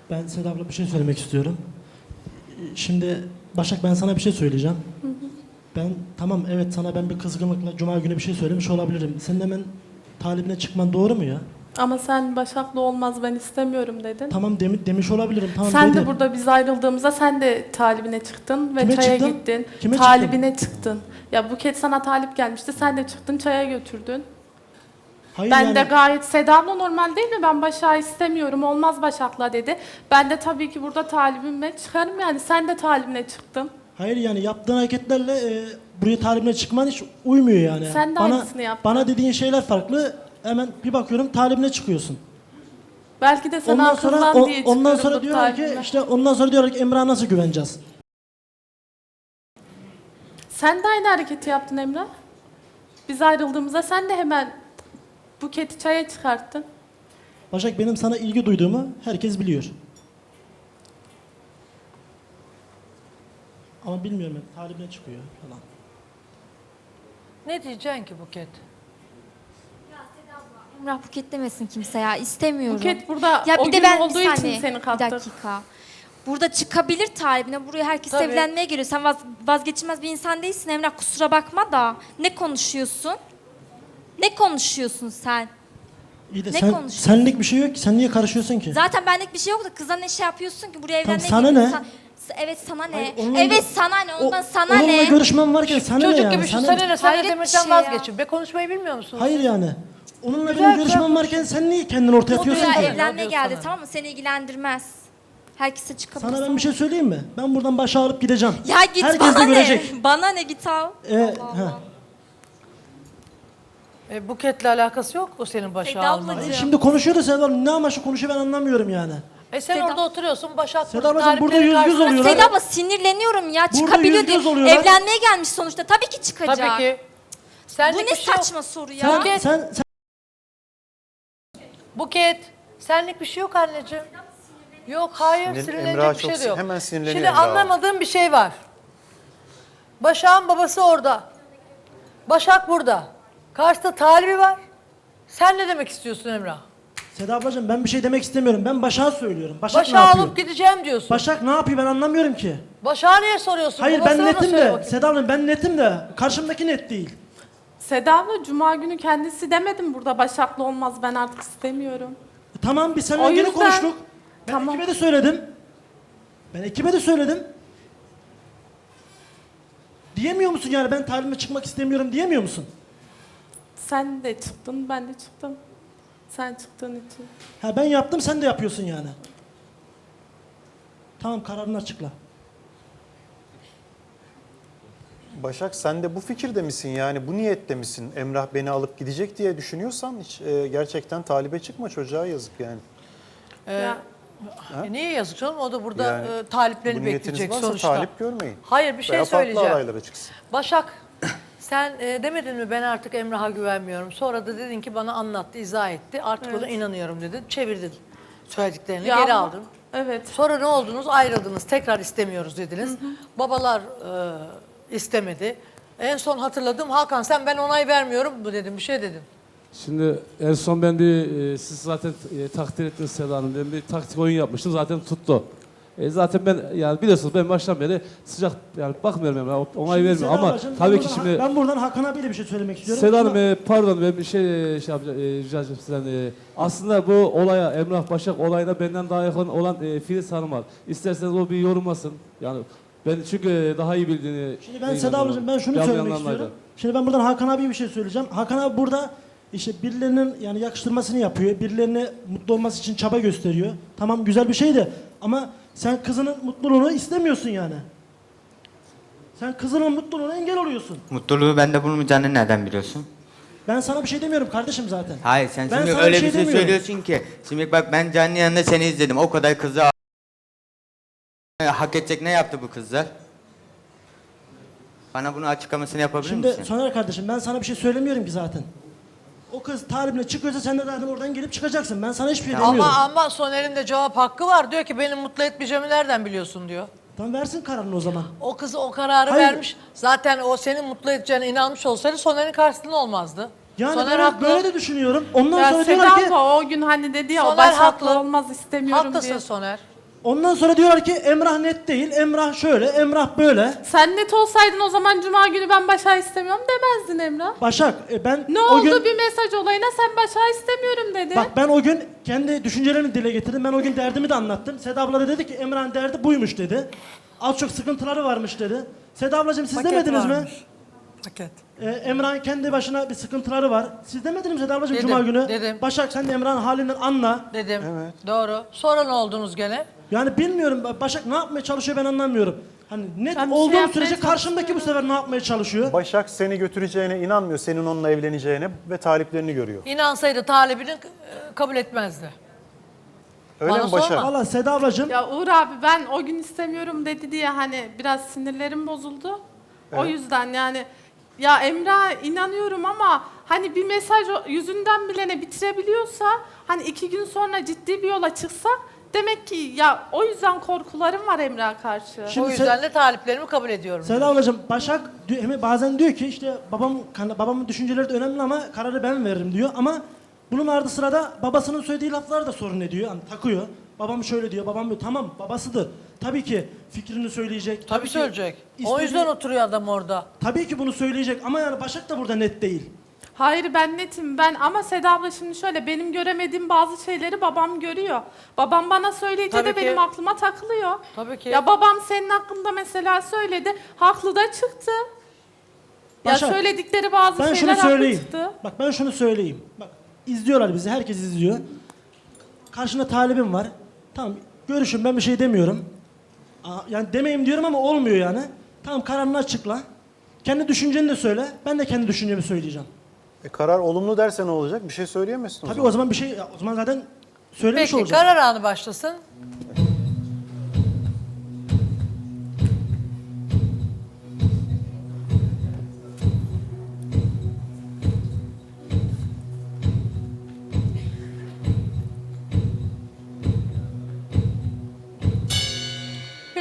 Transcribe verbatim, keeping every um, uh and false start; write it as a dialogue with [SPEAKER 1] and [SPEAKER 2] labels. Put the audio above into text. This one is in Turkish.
[SPEAKER 1] Ben Seda abla bir şey söylemek istiyorum. Şimdi Başak, ben sana bir şey söyleyeceğim. Hı hı. Ben tamam, evet, sana ben bir kızgınlıkla cuma günü bir şey söylemiş olabilirim. Senin hemen talibine çıkman doğru mu ya?
[SPEAKER 2] Ama sen Başak'la olmaz ben istemiyorum dedin.
[SPEAKER 1] Tamam demi, demiş olabilirim. Tamam,
[SPEAKER 2] sen
[SPEAKER 1] dedim.
[SPEAKER 2] de burada biz ayrıldığımızda sen de talibine çıktın ve
[SPEAKER 1] Kime
[SPEAKER 2] çaya
[SPEAKER 1] çıktım?
[SPEAKER 2] gittin.
[SPEAKER 1] Kime
[SPEAKER 2] talibine çıktın. Ya Buket sana talip gelmişti, sen de çıktın çaya götürdün.
[SPEAKER 1] Hayır,
[SPEAKER 2] Ben
[SPEAKER 1] yani,
[SPEAKER 2] de gayet Seda'mla normal değil mi? Ben Başak'ı istemiyorum, olmaz Başak'la dedi. Ben de tabii ki burada talibime çıkarım yani. Sen de talibine çıktın.
[SPEAKER 1] hayır yani yaptığın hareketlerle e, buraya talibine çıkman hiç uymuyor yani.
[SPEAKER 2] Sen de
[SPEAKER 1] bana,
[SPEAKER 2] aynısını yaptın.
[SPEAKER 1] Bana dediğin şeyler farklı. Hemen bir bakıyorum talibine çıkıyorsun.
[SPEAKER 2] Belki de sen
[SPEAKER 1] Ondan sonra
[SPEAKER 2] arkamdan
[SPEAKER 1] o,
[SPEAKER 2] diye
[SPEAKER 1] ondan
[SPEAKER 2] çıkıyorumdur
[SPEAKER 1] sonra diyorlar ki
[SPEAKER 2] talibime.
[SPEAKER 1] işte ondan sonra diyorlar ki Emrah'a nasıl güveneceğiz?
[SPEAKER 2] Sen de aynı hareketi yaptın Emrah. Biz ayrıldığımızda sen de hemen Buket'i çaya çıkarttın.
[SPEAKER 1] Başak, benim sana ilgi duyduğumu herkes biliyor. Ama bilmiyorum, hep talibine çıkıyor falan.
[SPEAKER 3] Ne diyeceksin ki Buket?
[SPEAKER 4] Emrah Buket demesin kimse ya, istemiyorum.
[SPEAKER 2] Buket burada
[SPEAKER 4] ya
[SPEAKER 2] o
[SPEAKER 4] bir de
[SPEAKER 2] gün
[SPEAKER 4] ben
[SPEAKER 2] olduğu
[SPEAKER 4] bir
[SPEAKER 2] için
[SPEAKER 4] saniye,
[SPEAKER 2] seni
[SPEAKER 4] bir
[SPEAKER 2] kattık.
[SPEAKER 4] dakika. Burada çıkabilir talibine, buraya herkes
[SPEAKER 3] Tabii.
[SPEAKER 4] evlenmeye geliyor. Sen vaz, vazgeçilmez bir insan değilsin Emrah, kusura bakma da. Ne konuşuyorsun? Ne konuşuyorsun sen?
[SPEAKER 1] İyi de
[SPEAKER 4] Ne
[SPEAKER 1] sen,
[SPEAKER 4] konuşuyorsun?
[SPEAKER 1] senlik bir şey yok ki. Sen niye karışıyorsun ki?
[SPEAKER 4] Zaten benlik bir şey yok da kıza ne şey yapıyorsun ki, buraya
[SPEAKER 1] Tamam,
[SPEAKER 4] evlenmeye
[SPEAKER 1] sana
[SPEAKER 4] geliyorsun.
[SPEAKER 1] ne?
[SPEAKER 4] Sen- evet sana ne?
[SPEAKER 1] Hayır, onunla
[SPEAKER 4] evet
[SPEAKER 1] gö-
[SPEAKER 4] sana ne? Ondan
[SPEAKER 1] O-
[SPEAKER 4] sana
[SPEAKER 1] onunla
[SPEAKER 4] ne?
[SPEAKER 1] görüşmem varken sana
[SPEAKER 3] Çocuk
[SPEAKER 1] ne yani?
[SPEAKER 3] gibi şu
[SPEAKER 1] Sana-
[SPEAKER 3] sana ne sen
[SPEAKER 4] Hayret
[SPEAKER 3] de
[SPEAKER 4] bir
[SPEAKER 3] demekten
[SPEAKER 4] şey ya.
[SPEAKER 3] vazgeçin. Be konuşmayı bilmiyor musunuz?
[SPEAKER 1] Hayır yani. Onunla
[SPEAKER 3] Güzel,
[SPEAKER 1] benim görüşmem
[SPEAKER 3] güzel
[SPEAKER 1] varken sen niye kendini ortaya
[SPEAKER 4] O
[SPEAKER 1] atıyorsun
[SPEAKER 4] buraya
[SPEAKER 1] ki?
[SPEAKER 4] evlenmeye
[SPEAKER 3] O diyor
[SPEAKER 4] geldi,
[SPEAKER 3] sana.
[SPEAKER 4] tamam mı? Seni ilgilendirmez. Herkese çıkabilir.
[SPEAKER 1] Sana ben bir şey söyleyeyim mi? Ben buradan başa alıp gideceğim.
[SPEAKER 4] Ya git,
[SPEAKER 1] Herkes
[SPEAKER 4] bana
[SPEAKER 1] de
[SPEAKER 4] ne?
[SPEAKER 1] görecek.
[SPEAKER 4] Bana ne, git al.
[SPEAKER 1] Ee,
[SPEAKER 4] Allah
[SPEAKER 1] ha.
[SPEAKER 4] Allah.
[SPEAKER 3] E, Buket'le alakası yok o senin başa
[SPEAKER 4] Seda
[SPEAKER 3] alman.
[SPEAKER 4] ablacığım.
[SPEAKER 1] Hayır, şimdi konuşuyor da Seda abla ne amaçlı konuşuyor ben anlamıyorum yani.
[SPEAKER 3] E sen
[SPEAKER 4] Seda-
[SPEAKER 3] orada oturuyorsun Başak
[SPEAKER 1] Seda
[SPEAKER 3] burada
[SPEAKER 1] ablacığım, burada
[SPEAKER 3] talipleri
[SPEAKER 1] yüz yüz
[SPEAKER 3] karşısında-
[SPEAKER 1] oluyorlar.
[SPEAKER 4] Seda abla sinirleniyorum ya, çıkabiliyor
[SPEAKER 1] yüz
[SPEAKER 4] diye.
[SPEAKER 1] göz oluyorlar.
[SPEAKER 4] Evlenmeye gelmiş sonuçta, tabii ki çıkacak.
[SPEAKER 3] Tabii ki.
[SPEAKER 4] Bu
[SPEAKER 3] Senlik
[SPEAKER 4] ne
[SPEAKER 3] bir şey yok.
[SPEAKER 4] saçma soru ya.
[SPEAKER 1] Sen,
[SPEAKER 3] Buket.
[SPEAKER 1] sen, sen
[SPEAKER 3] Buket, senlik bir şey yok anneciğim. Yok, hayır,
[SPEAKER 5] Sinir-
[SPEAKER 3] sinirlenecek
[SPEAKER 5] Emrah
[SPEAKER 3] bir
[SPEAKER 5] çok
[SPEAKER 3] şey de yok.
[SPEAKER 5] hemen sinirleniyor
[SPEAKER 3] Şimdi
[SPEAKER 5] Emrah.
[SPEAKER 3] anlamadığım bir şey var. Başak'ın babası orada. Başak burada. Karşıda talibi var. Sen ne demek istiyorsun Emrah?
[SPEAKER 1] Seda ablacığım, ben bir şey demek istemiyorum. Ben Başak'a söylüyorum. Başak ne
[SPEAKER 3] Başak'ı
[SPEAKER 1] yapıyor?
[SPEAKER 3] alıp gideceğim diyorsun.
[SPEAKER 1] Başak ne yapıyor ben anlamıyorum ki.
[SPEAKER 3] Başak'a niye soruyorsun?
[SPEAKER 1] Hayır, ben
[SPEAKER 3] Babasına da
[SPEAKER 1] netim
[SPEAKER 3] söyle
[SPEAKER 1] de.
[SPEAKER 3] bakayım.
[SPEAKER 1] Seda abla, ben netim de. Karşımdaki net değil.
[SPEAKER 2] Seda abla cuma günü kendisi demedim burada Başak'la olmaz ben artık istemiyorum.
[SPEAKER 1] E, tamam, biz
[SPEAKER 2] O
[SPEAKER 1] seninle yeni
[SPEAKER 2] yüzden-
[SPEAKER 1] konuştuk. Ben
[SPEAKER 2] Tamam.
[SPEAKER 1] ekibe de söyledim. Ben ekibe de söyledim. Diyemiyor musun yani, ben talibime çıkmak istemiyorum diyemiyor musun?
[SPEAKER 2] Sen de çıktın ben de çıktım. Sen çıktığın için.
[SPEAKER 1] Ha, ben yaptım, sen de yapıyorsun yani. Tamam, kararını açıkla.
[SPEAKER 5] Başak, sen de bu fikirde misin yani, bu niyette misin? Emrah beni alıp gidecek diye düşünüyorsan hiç e, gerçekten talibe çıkma, çocuğa yazık yani.
[SPEAKER 3] Ee,
[SPEAKER 2] Ya,
[SPEAKER 3] e niye yazık canım? O da burada
[SPEAKER 5] Yani
[SPEAKER 3] e, taliplerini
[SPEAKER 5] bu niyetiniz
[SPEAKER 3] bekleyecek
[SPEAKER 5] varsa
[SPEAKER 3] sonuçta.
[SPEAKER 5] talip görmeyin.
[SPEAKER 3] Hayır, bir şey
[SPEAKER 5] Veya
[SPEAKER 3] söyleyeceğim.
[SPEAKER 5] farklı adaylara çıksın.
[SPEAKER 3] Başak, sen e, demedin mi ben artık Emrah'a güvenmiyorum. Sonra da dedin ki bana anlattı, izah etti. Artık
[SPEAKER 2] Evet.
[SPEAKER 3] ona inanıyorum dedin. Çevirdin söylediklerini,
[SPEAKER 2] ya
[SPEAKER 3] geri
[SPEAKER 2] ama-
[SPEAKER 3] aldın.
[SPEAKER 2] Evet.
[SPEAKER 3] Sonra ne oldunuz? Ayrıldınız. Tekrar istemiyoruz dediniz. Babalar e, istemedi. En son hatırladım, Hakan sen ben onay vermiyorum bu dedim, bir şey dedim.
[SPEAKER 6] Şimdi en son ben bir, e, siz zaten e, takdir ettiniz Seda Hanım. Ben bir taktik oyun yapmıştım, zaten tuttu. E, zaten ben, yani biliyorsunuz ben baştan beri sıcak, yani bakmıyorum yani, onay
[SPEAKER 1] Şimdi
[SPEAKER 6] vermiyorum
[SPEAKER 1] Seda
[SPEAKER 6] ama
[SPEAKER 1] ablacığım, ben
[SPEAKER 6] tabii ki
[SPEAKER 1] buradan-
[SPEAKER 6] şimdi...
[SPEAKER 1] Ben buradan Hakan abiyle bir şey söylemek istiyorum.
[SPEAKER 6] Seda Hanım,
[SPEAKER 1] Şuna-
[SPEAKER 6] e, pardon ben bir şey, e, şey yapacağım, e, rica edeceğim sizden. E, aslında bu olaya, Emrah Başak olayına benden daha yakın olan e, Filiz Hanım var. İsterseniz o bir yorumlasın. Yani ben çünkü e, daha iyi bildiğini...
[SPEAKER 1] Şimdi ben Seda ablacığım, ben şunu
[SPEAKER 6] Yanlış
[SPEAKER 1] söylemek
[SPEAKER 6] anlamaydı.
[SPEAKER 1] istiyorum. Şimdi ben buradan Hakan abiye bir şey söyleyeceğim. Hakan abi burada işte birilerinin yani yakıştırmasını yapıyor. Birilerine mutlu olması için çaba gösteriyor. Tamam, güzel bir şey de ama sen kızının mutluluğunu istemiyorsun yani. Sen kızının mutluluğuna engel oluyorsun.
[SPEAKER 7] Mutluluğu bende bulmayacağını nereden biliyorsun?
[SPEAKER 1] Ben sana bir şey demiyorum kardeşim zaten.
[SPEAKER 7] Hayır sen
[SPEAKER 1] Ben
[SPEAKER 7] şimdi
[SPEAKER 1] sana
[SPEAKER 7] öyle
[SPEAKER 1] bir şey
[SPEAKER 7] bir şey
[SPEAKER 1] demiyorum.
[SPEAKER 7] söylüyorsun ki. Şimdi bak ben canlı yanında seni izledim. O kadar kızı hak edecek ne yaptı bu kızlar? Bana bunu açıklamasını yapabilir
[SPEAKER 1] Şimdi
[SPEAKER 7] misin?
[SPEAKER 1] Soner kardeşim, ben sana bir şey söylemiyorum ki zaten. O kız talibine çıkıyorsa sen de zaten oradan gelip çıkacaksın. Ben sana hiçbir şey demiyorum.
[SPEAKER 3] Ama ama Soner'in de cevap hakkı var. Diyor ki beni mutlu etmeyeceğimi nereden biliyorsun diyor.
[SPEAKER 1] Tamam, versin kararını o zaman.
[SPEAKER 3] O kız o kararı
[SPEAKER 1] Hayır.
[SPEAKER 3] vermiş. Zaten o senin mutlu edeceğine inanmış olsaydı Soner'in karşısında olmazdı.
[SPEAKER 1] Yani
[SPEAKER 3] Soner
[SPEAKER 1] ben
[SPEAKER 3] haklı.
[SPEAKER 1] böyle de düşünüyorum. Ondan
[SPEAKER 2] Ya
[SPEAKER 1] sonra
[SPEAKER 2] Seda
[SPEAKER 1] diyorlar ki
[SPEAKER 2] abla o gün hani dedi ya o
[SPEAKER 3] Soner
[SPEAKER 2] Başak'la
[SPEAKER 3] haklı.
[SPEAKER 2] olmaz istemiyorum
[SPEAKER 3] Haklısın
[SPEAKER 2] diye.
[SPEAKER 3] Soner.
[SPEAKER 1] Ondan sonra diyorlar ki Emrah net değil, Emrah şöyle, Emrah böyle.
[SPEAKER 2] Sen net olsaydın o zaman cuma günü ben Başak'ı istemiyorum demezdin Emrah.
[SPEAKER 1] Başak e, ben
[SPEAKER 2] Ne
[SPEAKER 1] o
[SPEAKER 2] oldu
[SPEAKER 1] gün...
[SPEAKER 2] bir mesaj olayına sen Başak'ı istemiyorum dedi.
[SPEAKER 1] Bak ben o gün kendi düşüncelerimi dile getirdim. Ben o gün derdimi de anlattım. Seda abla da dedi ki Emrah'ın derdi buymuş dedi. Az çok sıkıntıları varmış dedi. Seda ablacığım siz
[SPEAKER 3] Paket
[SPEAKER 1] demediniz mi?
[SPEAKER 3] varmış. Paket.
[SPEAKER 1] Ee, Emrah'ın kendi başına bir sıkıntıları var. Siz demediniz mi Seda ablacığım
[SPEAKER 3] Dedim,
[SPEAKER 1] cuma günü?
[SPEAKER 3] dedim.
[SPEAKER 1] Başak sen de Emrah'ın halinden anla.
[SPEAKER 3] Dedim. Doğru. Sonra ne oldunuz gene?
[SPEAKER 1] Yani bilmiyorum Başak ne yapmaya çalışıyor ben anlamıyorum. Hani net
[SPEAKER 2] Ben bir şey
[SPEAKER 1] olduğum
[SPEAKER 2] yapmaya
[SPEAKER 1] sürece karşımdaki bu sefer ne yapmaya çalışıyor?
[SPEAKER 5] Başak seni götüreceğine inanmıyor, senin onunla evleneceğine ve taliplerini görüyor.
[SPEAKER 3] İnansaydı talibini e, kabul etmezdi.
[SPEAKER 5] Öyle
[SPEAKER 3] Bana
[SPEAKER 5] mi Başak?
[SPEAKER 3] sorma.
[SPEAKER 1] Valla Seda ablacığım
[SPEAKER 2] Ya Uğur abi ben o gün istemiyorum dedi diye hani biraz sinirlerim bozuldu. O yüzden yani ya Emrah'a inanıyorum ama hani bir mesaj o- yüzünden bile ne bitirebiliyorsa hani iki gün sonra ciddi bir yola çıksa demek ki ya o yüzden korkularım var Emrah'a karşı.
[SPEAKER 1] Şimdi
[SPEAKER 3] O yüzden de taliplerimi kabul ediyorum.
[SPEAKER 1] Seda ablacığım Başak diyor- hem bazen diyor ki işte babam kan- babamın düşünceleri de önemli ama kararı ben veririm diyor ama bunun ardı sırada babasının söylediği laflar da sorun ediyor. Hani takıyor. Babam şöyle diyor, babam diyor. Tamam babasıdır. Tabii ki fikrini söyleyecek.
[SPEAKER 3] Tabii
[SPEAKER 1] ki
[SPEAKER 3] söyleyecek. O
[SPEAKER 1] istediği-
[SPEAKER 3] yüzden oturuyor adam orada.
[SPEAKER 1] Tabii ki bunu söyleyecek ama yani Başak da burada net değil.
[SPEAKER 2] Hayır ben netim ben ama Seda abla şimdi şöyle benim göremediğim bazı şeyleri babam görüyor. Babam bana söyleyince
[SPEAKER 3] Tabii
[SPEAKER 2] de
[SPEAKER 3] ki.
[SPEAKER 2] benim aklıma takılıyor.
[SPEAKER 3] Tabii ki.
[SPEAKER 2] Ya babam senin hakkında mesela söyledi. Haklı da çıktı.
[SPEAKER 1] Başak,
[SPEAKER 2] ya söyledikleri bazı
[SPEAKER 1] Ben
[SPEAKER 2] şeyler
[SPEAKER 1] şunu
[SPEAKER 2] haklı
[SPEAKER 1] söyleyeyim.
[SPEAKER 2] çıktı.
[SPEAKER 1] Bak ben şunu söyleyeyim. Bak izliyorlar bizi, herkes izliyor. Karşında talibim var. Tamam görüşün ben bir şey demiyorum. Aa, yani demeyeyim diyorum ama olmuyor yani. Tamam kararını açıkla. Kendi düşünceni de söyle. Ben de kendi düşüncemi söyleyeceğim.
[SPEAKER 5] E, karar olumlu derse ne olacak? Bir şey söyleyemezsin o
[SPEAKER 1] Tabii
[SPEAKER 5] zaman.
[SPEAKER 1] o zaman bir şey, o zaman zaten söylemiş
[SPEAKER 3] Peki
[SPEAKER 1] olacağım.
[SPEAKER 3] karar anı başlasın.